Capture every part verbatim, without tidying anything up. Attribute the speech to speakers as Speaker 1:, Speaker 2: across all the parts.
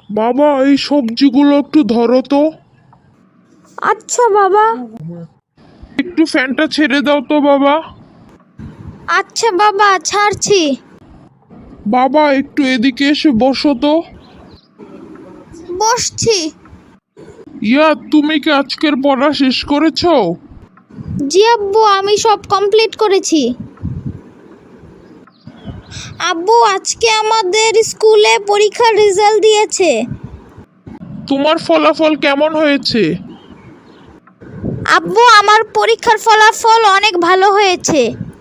Speaker 1: বাবা, এই সবজিগুলো একটু ধরো তো।
Speaker 2: আচ্ছা বাবা।
Speaker 1: একটু ফ্যানটা ছেড়ে দাও তো বাবা।
Speaker 2: আচ্ছা বাবা, ছাড়ছি।
Speaker 1: বাবা, একটু এদিকে এসে বসো তো।
Speaker 2: বসছি।
Speaker 1: ইয়া, তুমি কি আজকের পড়া শেষ করেছো?
Speaker 2: জি আব্বু, আমি সব কমপ্লিট করেছি। আব্বু, আজকে আমাদের স্কুলে পরীক্ষার রেজাল্ট দিয়েছে।
Speaker 1: তোমার ফলাফল কেমন হয়েছে?
Speaker 2: আব্বু, আমার পরীক্ষার ফলাফল অনেক ভালো হয়েছে।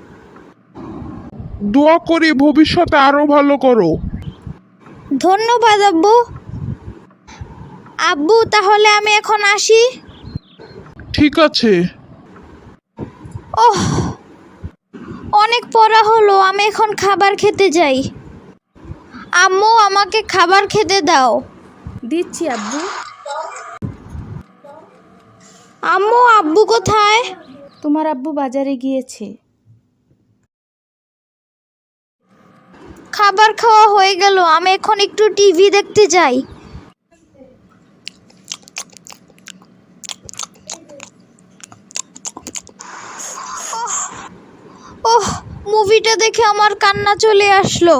Speaker 1: দোয়া করি ভবিষ্যতে আরো ভালো করো।
Speaker 2: ধন্যবাদ আব্বু। আব্বু, তাহলে আমি এখন আসি।
Speaker 1: ঠিক আছে।
Speaker 2: ওহ, অনেক পড়া হলো, আমি এখন খাবার খেতে যাই। আম্মু, আমাকে খাবার খেতে দাও।
Speaker 3: দিচ্ছি আব্বু।
Speaker 2: আম্মু, আব্বু কোথায়?
Speaker 3: তোমার আব্বু বাজারে গিয়েছে।
Speaker 2: খাবার খাওয়া হয়ে গেল, আমি এখন একটু টিভি দেখতে যাই। ওহ, মুভিটা দেখে আমার কান্না চলে আসলো।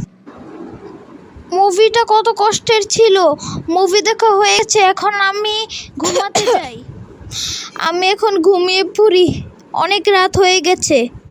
Speaker 2: মুভিটা কত কষ্টের ছিল। মুভি দেখা হয়েছে, এখন আমি ঘুমাতে যাই। আমি এখন ঘুমিয়ে পড়ি, অনেক রাত হয়ে গেছে।